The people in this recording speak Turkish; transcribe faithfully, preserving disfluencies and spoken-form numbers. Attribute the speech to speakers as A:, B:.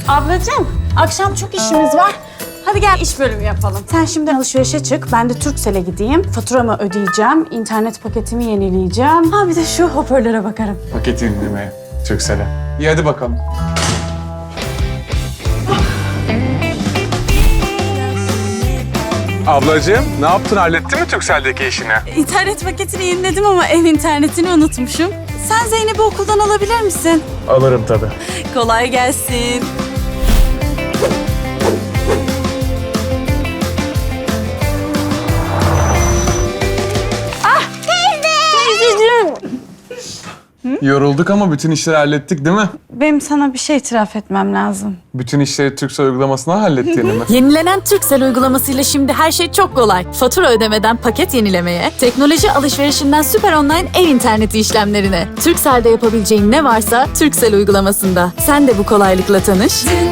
A: Ablacığım, akşam çok işimiz var. Hadi gel iş bölümü yapalım. Sen şimdi alışverişe çık, ben de Turkcell'e gideyim. Faturamı ödeyeceğim, internet paketimi yenileyeceğim. Ha bir de şu hoparlöre bakarım.
B: Paket indirimeye, Turkcell'e. İyi hadi bakalım. Ablacığım, ne yaptın? Hallettin mi Turkcell'deki işini?
A: İnternet paketini yeniledim ama ev internetini unutmuşum. Sen Zeynep'i okuldan alabilir misin?
B: Alırım tabii.
A: Kolay gelsin.
B: Yorulduk ama bütün işleri hallettik değil mi?
A: Benim sana bir şey itiraf etmem lazım.
B: Bütün işleri Turkcell uygulamasına hallettiğini mi?
C: Yenilenen Turkcell uygulamasıyla şimdi her şey çok kolay. Fatura ödemeden paket yenilemeye, teknoloji alışverişinden süper online ev interneti işlemlerine. Turkcell'de yapabileceğin ne varsa Turkcell uygulamasında. Sen de bu kolaylıkla tanış.